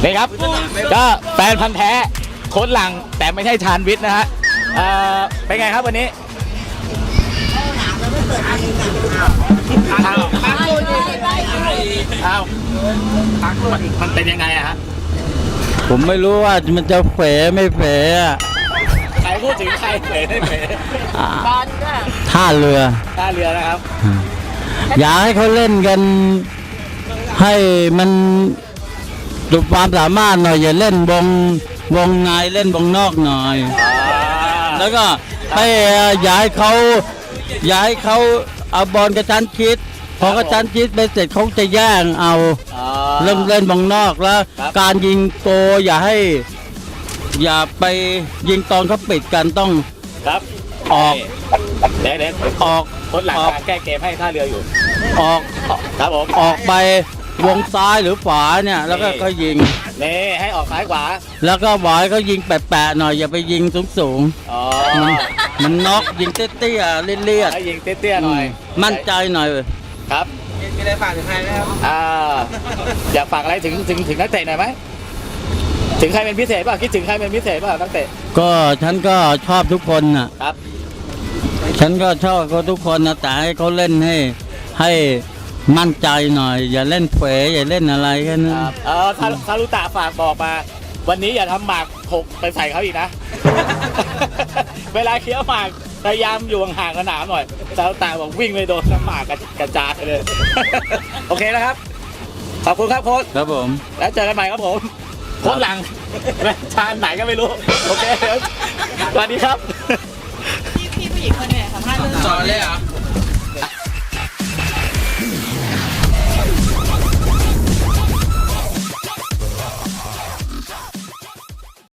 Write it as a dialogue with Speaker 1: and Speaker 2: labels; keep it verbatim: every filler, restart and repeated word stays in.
Speaker 1: นี่ครับก็แฟนพันธ์แท้โค้ชหลังแต่ไม่ใช่ชาญวิทย์นะฮะเอ่อเป็นไงครับวันนี้อ้าวอ้าวมันเป็นยังไงอะฮะ
Speaker 2: ผมไม่รู้ว่ามันจะเฝไม่เฝอะ
Speaker 1: ใครพูดถึงใครเผยได้เผย
Speaker 2: อ่าท่าเรือ
Speaker 1: ท่าเรือนะครับ
Speaker 2: อยากให้เขาเล่นกัน ให้มันดูความสามารถหน่อยอย่าเล่นวงวงในเล่นวงนอกหน่อย แล้วก็ให้อย่าให้เขาอย่าให้เขาเอาบอลกระชั้นชิดพอกระชั้นชิดไปเสร็จเขาจะแย่งเอาเริ่มเล่นวงนอกแล้ว การยิงโกอย่าให้ อย่าไปยิงตอนเขาปิดกันต้อง
Speaker 1: ครับ
Speaker 2: ออก
Speaker 1: เดี๋ยวเดี๋ยว
Speaker 2: ออก
Speaker 1: โค้ชหลัง
Speaker 2: ออก
Speaker 1: แก้เกมให้ท่าเรืออยู่
Speaker 2: ออก
Speaker 1: ครับผม
Speaker 2: ออกไปวงซ้ายหรือขวาเนี่ยแล้วก็ก็ยิง
Speaker 1: นี่ให้ออกซ้ายขวา
Speaker 2: แล้วก็บอยเขายิงแปะๆหน่อยอย่าไปยิงสูง
Speaker 1: อ๋อ
Speaker 2: ๆมันมันน็อกยิงเตี้ยๆเลี่ยด
Speaker 1: ให้ยิงเตี้ยๆหน่อย
Speaker 2: ๆมั่นใจหน่อย
Speaker 1: ครับ
Speaker 3: มีอะไรฝากถึงใครไหมครับ
Speaker 1: อ่าอยากฝากอะไรถึงถึงถึงนักเตะหน่อยไหมถึงใครเป็นพิเศษป่ะคิดถึงใครเป็นพิเศษป่ะนักเตะ
Speaker 2: ก็ฉันก็ชอบทุกคนน่ะ
Speaker 1: ครับ
Speaker 2: ฉันก็ชอบเขาทุกคนนะแต่ให้เขาเล่นให้ให้มั่นใจหน่อย อย่าเล่นเผยอย่าเล่นอะไรแค่นั้น
Speaker 1: ครับเออซาซารุตะฝากบอกมา วันนี้อย่าทำหมากหกไปใส่เขาอีกนะ เวลาเคี้ยวหมากพยายามอยู่ห่างๆสนามหน่อยซารุตะบอกวิ่งไปโดนน้ำหมากกระจายเลย โอเคนะครับขอบคุณครับโค้ช
Speaker 2: ครับผม
Speaker 1: แล้วเจอกันใหม่ครับผมโค้ชหลังชาญไหนก็ไม่รู้โอเคเดี๋ยวสวัสดีครับ
Speaker 4: พี่พี่ผู้หญิงคนไหนสัมภาษณ์เรื่อง